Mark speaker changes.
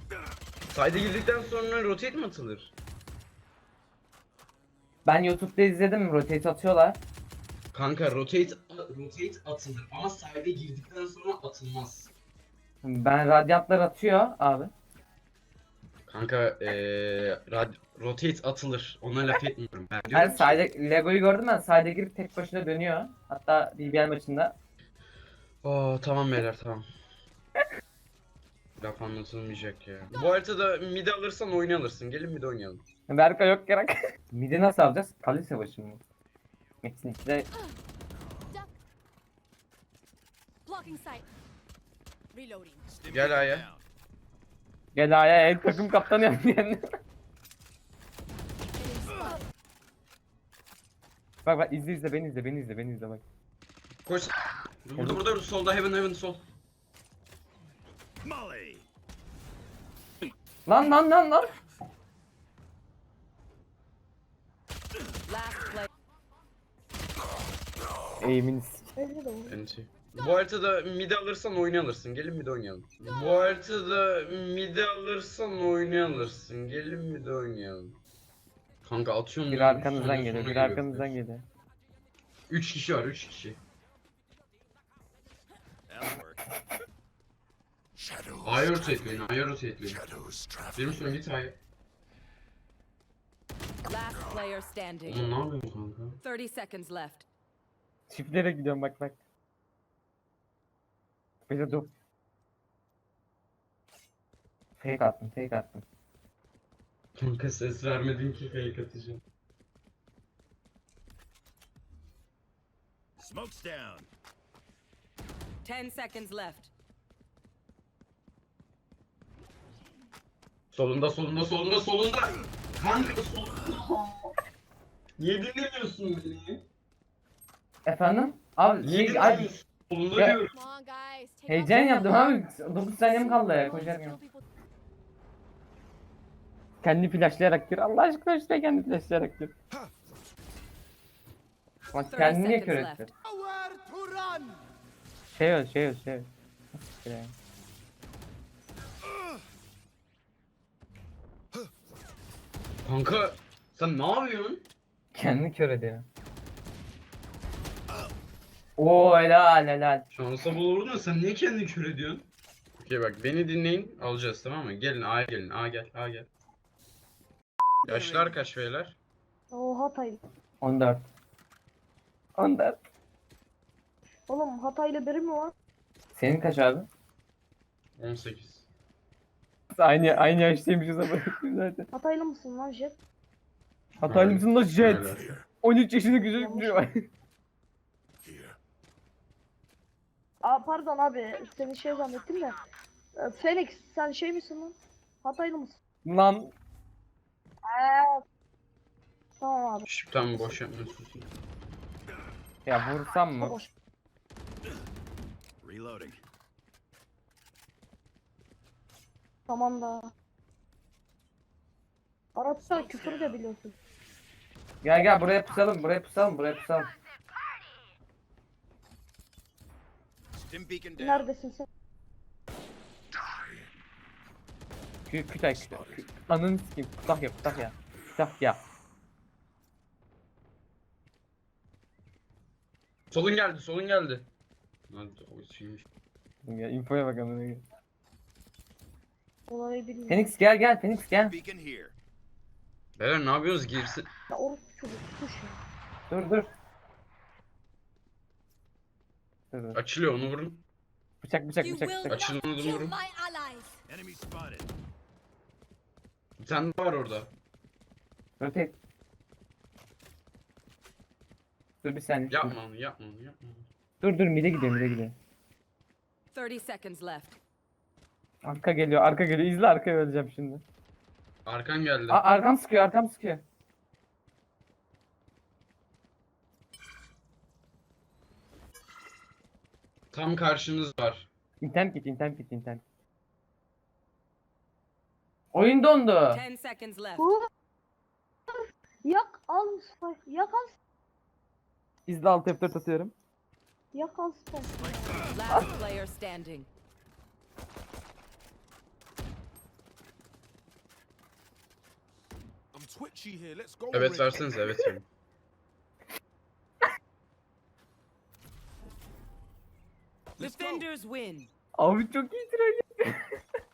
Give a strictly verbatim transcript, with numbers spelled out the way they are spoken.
Speaker 1: Side'e girdikten sonra rotate mi atılır?
Speaker 2: Ben YouTube'da izledim, rotate atıyorlar.
Speaker 1: Kanka rotate rotate atılır ama side'e girdikten sonra atılmaz.
Speaker 2: Ben radyantlar atıyor abi.
Speaker 1: Kanka eee rad- rotate atılır. Ona laf etmiyorum. Ben
Speaker 2: Her
Speaker 1: diyorum ki
Speaker 2: side Lego'yu gördüm ben. Side'e girip tek başına dönüyor. Hatta B B L maçında.
Speaker 1: Oo tamam beyler tamam. Laf anlatılmayacak ya. Bu haritada mid alırsan oyunu alırsın. Gelin mid oynayalım.
Speaker 2: Berka yok gerek. Midi nasıl alacağız? Kale savaşı mı? Metin ikide
Speaker 3: Duck. Blocking sight. Reloading.
Speaker 1: Gel A'ya.
Speaker 2: gel A'ya el takım kaptanı yaptı yani. Bak bak izle izle beni izle beni izle beni izle bak.
Speaker 1: Koş. Burada burada solda heaven heaven sol.
Speaker 4: Molly.
Speaker 2: Lan lan lan lan.
Speaker 3: Last play.
Speaker 2: Eğimin
Speaker 1: Enti. Bu haritada mid alırsan oyunu alırsın. Gelin mid oynayalım. Bu haritada mid alırsan oyunu alırsın. Gelin mid oynayalım. Kanka atıyorum.
Speaker 2: bir
Speaker 1: lan,
Speaker 2: arkanızdan
Speaker 1: sonra
Speaker 2: geliyor
Speaker 1: sonra
Speaker 2: bir arkanızdan geliyor.
Speaker 1: üç kişi var üç kişi.
Speaker 4: That'll work. Shadows.
Speaker 1: A'ya rotateleyin A'ya rotateleyin.
Speaker 4: Shadows travel.
Speaker 1: Benim sonra git A'ya.
Speaker 3: Last player standing.
Speaker 1: Oğlum ne yapıyorsun kanka?
Speaker 3: thirty seconds left.
Speaker 2: Çiftlere gidiyorum bak bak. Böyle dur. Fake attım fake attım.
Speaker 1: Kanka ses vermedin ki fake atacağım.
Speaker 4: Smoke's down.
Speaker 3: ten seconds left.
Speaker 1: Solunda solunda solunda solunda. Kanka solunda. Niye dinlemiyorsun beni?
Speaker 2: Efendim? Abi
Speaker 1: Niye
Speaker 2: şey, abi,
Speaker 1: dinlemiyorsun? Solunda
Speaker 2: Ya-
Speaker 1: diyorum.
Speaker 3: Come on guys. Take
Speaker 2: heyecan
Speaker 3: out
Speaker 2: yaptım abi. dokuz saniyem kaldı ya
Speaker 3: Kill
Speaker 2: koşarken.
Speaker 3: people.
Speaker 2: Kendi flashlayarak gir. Allah aşkına işte kendi flashlayarak gir. Bak
Speaker 3: thirty
Speaker 2: kendini niye
Speaker 3: seconds
Speaker 2: kör
Speaker 3: left.
Speaker 2: etti? Şey öl şey öl şey öl. Nasıl ya?
Speaker 1: Kanka sen ne yapıyorsun?
Speaker 2: Kendini kör ediyor. Oo helal helal.
Speaker 1: Şansa bulurdun da sen niye kendini kör ediyorsun? Okey bak beni dinleyin alacağız tamam mı? Gelin A'ya gelin A gel A gel. Yaşlar kaç beyler?
Speaker 5: O Hatay.
Speaker 2: on dört. on dört.
Speaker 5: Oğlum Hatay'la biri mi var?
Speaker 2: Senin kaç abi?
Speaker 1: on sekiz.
Speaker 2: Aynı aynı yaştaymışız ama zaten.
Speaker 5: Hataylı mısın lan Jet?
Speaker 2: Hataylı mısın lan Jet?
Speaker 1: Öyle.
Speaker 4: Here.
Speaker 2: on üç yaşında küçük
Speaker 5: Yanlış.
Speaker 2: bir var.
Speaker 4: Here.
Speaker 5: Aa pardon abi seni şey zannettim de. Ee, Phoenix sen şey misin lan? Hataylı mısın?
Speaker 2: Lan
Speaker 5: Eee. Tamam abi.
Speaker 1: Şşş tamam boş yapmıyorsun.
Speaker 2: ya vursam mı?
Speaker 5: Boş.
Speaker 4: Reloading.
Speaker 5: Tamam da. Arapça küfür de biliyorsun.
Speaker 2: Gel gel buraya pusalım buraya pusalım buraya pusalım.
Speaker 4: Stim beacon down.
Speaker 5: Neredesin sen?
Speaker 2: Kü kütay kütay. Kü Ananı sikeyim. Kütahya Kütahya. Kütahya.
Speaker 1: Solun geldi solun geldi. Lan o şeymiş.
Speaker 2: Ya infoya bak amına koyayım.
Speaker 5: Olayı bilmiyorum.
Speaker 2: Phoenix gel gel Phoenix gel.
Speaker 4: Beacon here.
Speaker 1: Beyler ne yapıyoruz girsin.
Speaker 5: Ya orası çocuk kuş ya.
Speaker 2: Dur dur. Dur dur.
Speaker 1: Açılıyor onu vurun.
Speaker 2: Bıçak bıçak
Speaker 3: You
Speaker 2: bıçak
Speaker 3: will
Speaker 2: bıçak.
Speaker 1: Açılın onu
Speaker 3: kill
Speaker 1: vurun.
Speaker 3: my allies.
Speaker 4: Enemy spotted.
Speaker 1: Bir tane daha var orada.
Speaker 2: Rotate. Dur bir saniye.
Speaker 1: Yapma onu yapma onu yapma onu.
Speaker 2: Dur dur mide gidiyor mide gidiyor.
Speaker 3: thirty seconds left.
Speaker 2: Arka geliyor arka geliyor. İzle arkaya öleceğim şimdi.
Speaker 1: Arkan geldi.
Speaker 2: Aa, arkam sıkıyor arkam sıkıyor.
Speaker 1: Tam karşınız var.
Speaker 2: İnternet git internet git internet. Oyun dondu.
Speaker 3: ten seconds left.
Speaker 5: Hu. Yak al spy. Yak al.
Speaker 2: İzle alt F dört atıyorum.
Speaker 5: Yak al spy.
Speaker 3: Last player standing.
Speaker 4: twitchy here. Let's go.
Speaker 1: Evet
Speaker 4: already.
Speaker 1: versenize evet yani.
Speaker 4: Let's go.
Speaker 3: Defenders win.
Speaker 2: Abi çok iyi troll.